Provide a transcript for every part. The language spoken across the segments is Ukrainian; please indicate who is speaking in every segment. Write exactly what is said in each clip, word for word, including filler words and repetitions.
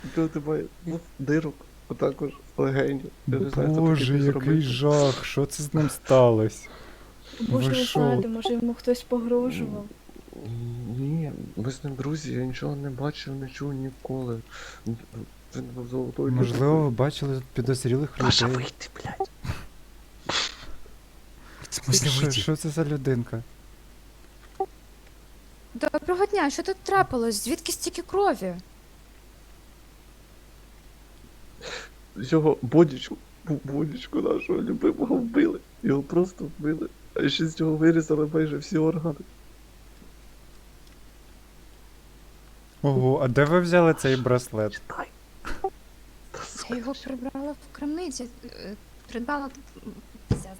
Speaker 1: Нічого немає. Ну, дирок, а також легенів. Я не знаю, хто
Speaker 2: Боже,
Speaker 1: такий
Speaker 2: який
Speaker 1: зробив.
Speaker 2: жах, що це з ним сталося?
Speaker 3: Може,
Speaker 2: Ви
Speaker 3: ви
Speaker 2: що?
Speaker 3: знаєте, може йому хтось погрожував.
Speaker 1: Ні, ми з ним друзі, я нічого не бачив, не чув ніколи. Він був золотою
Speaker 2: Можливо, ви бачили тут підозрілих
Speaker 1: Паша,
Speaker 2: людей.
Speaker 1: вийди, блядь.
Speaker 4: В смысле
Speaker 2: Що,
Speaker 4: выйти?
Speaker 2: що це за людинка?
Speaker 5: Доброго дня, що тут трапилось? Звідки стільки крові?
Speaker 1: Його бодічку, бодічку нашого любимого вбили. Його просто вбили. А ще з нього вирізали майже всі органи.
Speaker 2: Ого, а де ви взяли цей браслет?
Speaker 1: Читай. Та,
Speaker 5: Я
Speaker 1: сука,
Speaker 5: його прибрала в крамниці. е, Придбала. Пиздец.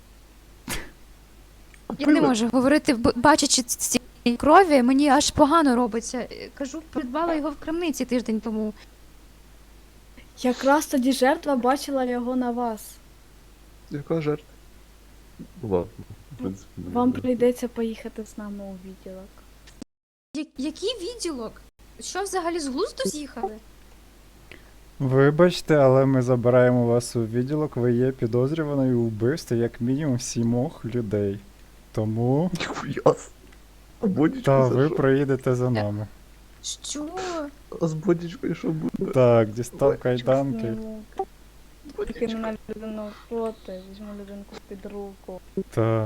Speaker 5: Я не
Speaker 1: вбили.
Speaker 5: можу говорити, б- бачачи ці крові, мені аж погано робиться. Е, Кажу, придбала його в крамниці тиждень тому.
Speaker 3: Якраз тоді жертва бачила його на вас.
Speaker 1: Яка жертва? Ну ладно. в принципі, не
Speaker 3: Вам
Speaker 1: знаю.
Speaker 3: прийдеться поїхати з нами у відділок.
Speaker 5: Я- Який відділок? Що взагалі з глузду з'їхали?
Speaker 2: Вибачте, але ми забираємо вас у відділок, ви є підозрюваною у вбивстві як мінімум сімох людей. Тому
Speaker 1: Ніхуя. А бодічку
Speaker 2: та
Speaker 1: за
Speaker 2: ви
Speaker 1: що?
Speaker 2: проїдете за нами.
Speaker 5: Що?
Speaker 1: А з бодічкою що буде?
Speaker 2: Так, дістав
Speaker 1: Ой,
Speaker 2: кайданки.
Speaker 3: Зніму. Тільки
Speaker 1: Бодічка.
Speaker 3: мене людину проти, візьму людинку під руку.
Speaker 2: Та.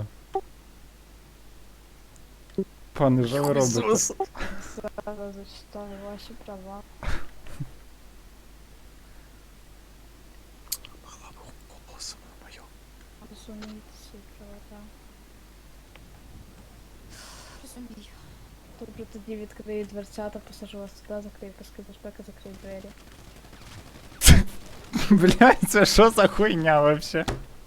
Speaker 2: Пане, що ви робите?
Speaker 3: Зараз зачитаю ваші права.
Speaker 4: Голосом моё.
Speaker 3: Розумієте свої права, так.
Speaker 5: Розумію.
Speaker 3: Добре, тоді відкрию дверцята, посажу вас туди, закрию паски безпеки, закрию двері.
Speaker 2: Блядь, це що за хуйня вообще?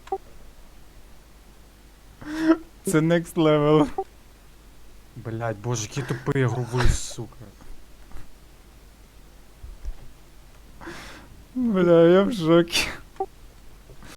Speaker 2: Це next level.
Speaker 4: Блять, боже, какие тупые грубые, сука.
Speaker 2: Бля, я в шокі.